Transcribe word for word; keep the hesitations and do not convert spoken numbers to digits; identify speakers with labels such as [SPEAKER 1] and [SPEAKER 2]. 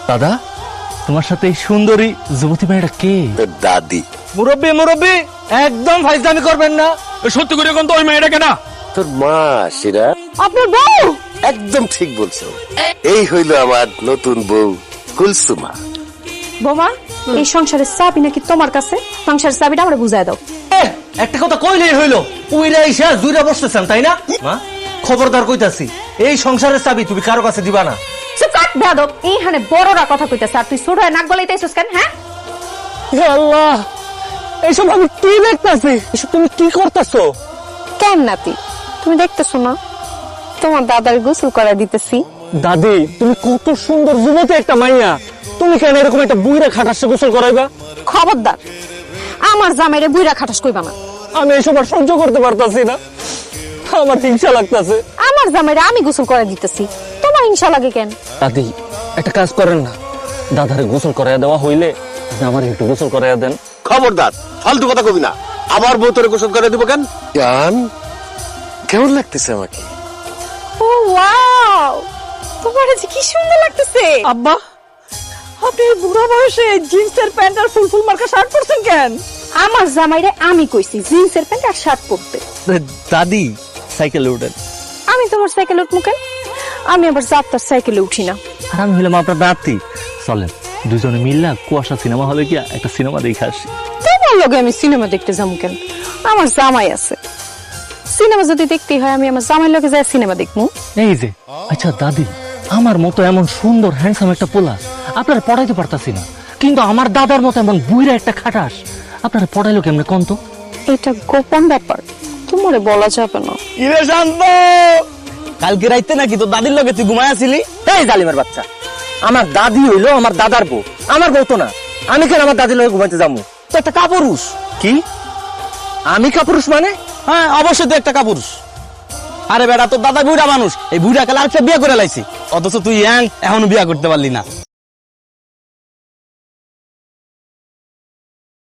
[SPEAKER 1] দাদা, তোমার সাথে এই সুন্দরী যুবতী মেয়েটা কে?
[SPEAKER 2] তোর দাদি।
[SPEAKER 1] মুরব্বী মুরব্বী একদম ফাইজলামি করবেন না। সত্যি করে কোন তো ওই মেয়েটা কেনা?
[SPEAKER 2] তোর মা সেরা।
[SPEAKER 3] আপনার বউ?
[SPEAKER 2] একদম ঠিক বলছো। এই হইলো আমার নতুন বউ কুলসুমা।
[SPEAKER 3] বোমা, এই সংসারের চাবি নাকি তোমার কাছে? সংসারের চাবিটা আমরা বুঝাই দাও।
[SPEAKER 1] একটা কথা কইলেই হইলো, উইরা ইসা জুইরা বসতেছেন তাই না? মা খবরদার কইতাছি, এই সংসারের চাবি তুমি কারো কাছে দিবা না।
[SPEAKER 3] চুপ কর বেয়াদব, এইখানে বড়রা কথা কইতাছে আর তুই ছোট হয়ে নাক গলাইতেছিস কেন? হ্যাঁ
[SPEAKER 1] হে আল্লাহ, এইসব আমি কি দেখতাছি? এসব তুমি কি করতেছো?
[SPEAKER 3] কেন নাতি, তুমি দেখতেছো না তোমার দাদার গোসল করা দিতেছি?
[SPEAKER 1] দাদি, তুমি কত সুন্দর যুবতী একটা মাইয়া, তুমি কেন এরকম একটা বুইরা খাটাসে গোসল করাইবা?
[SPEAKER 3] খবরদার, আমার জামাইরে বুইরা খাটাস কইবা না।
[SPEAKER 1] আমি এসব আর সহ্য করতে পারতাছি না, আমার হিংসা লাগতাছে।
[SPEAKER 3] আমার জামাইরে আমি গোসল করা দিতেছি, তোমার হিংসা লাগে কেন?
[SPEAKER 1] দাদি, একটা কাজ করেন না, দাদারে গোসল করাইয়া দেওয়া হইলে আমার একটু গোসল করাইয়া দেন।
[SPEAKER 2] খবরদার, ফালতু কথা কবি না। আবার বউ তোরে গোসল করে দিব কেন? জান, কেমন লাগতেছে আমাকে?
[SPEAKER 3] ও ওয়াও, তোমার আজ কি সুন্দর লাগতেছে।
[SPEAKER 4] আব্বা, আপনি এই বুড়া বয়সে জিন্সের প্যান্ট আর ফুল ফুল মার্কা শার্ট পরছেন কেন?
[SPEAKER 3] আমার জামাইরে আমি কইছি জিন্সের প্যান্ট আর শার্ট পরতে।
[SPEAKER 1] দাদি, সাইকেলে উঠেন।
[SPEAKER 3] আমি তোমার সাইকেলে উঠবো কেন? আমি আবার যাত্রার সাইকেলে উঠি না।
[SPEAKER 1] আর আমি হইলাম আপনার নাতি, চলেন দুজনে মিললা কুয়াশা সিনেমা হলে গিয়া একটা সিনেমা দেখে আসি।
[SPEAKER 3] তোমার লগে আমি সিনেমা দেখতে যাবো কেন? আমার জামাই আছে, সিনেমা যদি দেখতে হয় আমি আমার জামাই লগে যাই সিনেমা দেখবো।
[SPEAKER 1] এই যে, আচ্ছা দাদি, আমার মতো এমন সুন্দর হ্যান্ডসাম একটা পোলা আপনারা পড়াইতে পারতাছি না, কিন্তু আমার দাদার মতো এমন বুইরা একটা খাটাস আপনারা পড়াইলো কেমনে কোন তো?
[SPEAKER 3] এটা গোপন ব্যাপার, তোমারে বলা যাবে না।
[SPEAKER 1] ইরে শান্ত, কালকে রাইতে নাকি তো দাদির লগে তুই ঘুমায় আসিলি? এই জালিমের বাচ্চা, আমার দাদি হইলো আমার দাদার বউ, আমার বউ তো না। আমি কেন আমার দাদির লগে ঘুমাইতে যাবো? তো একটা কাপুরুষ। কি আমি কাপুরুষ মানে? হ্যাঁ অবশ্যই তো একটা কাপুরুষ। আরে বেটা, তোর দাদা বুড়া মানুষ, এই বুড়া কালে আরেকটা বিয়ে করে লাইছি, অথচ তুই ইয়াং এখনো বিয়ে করতে পারলি না।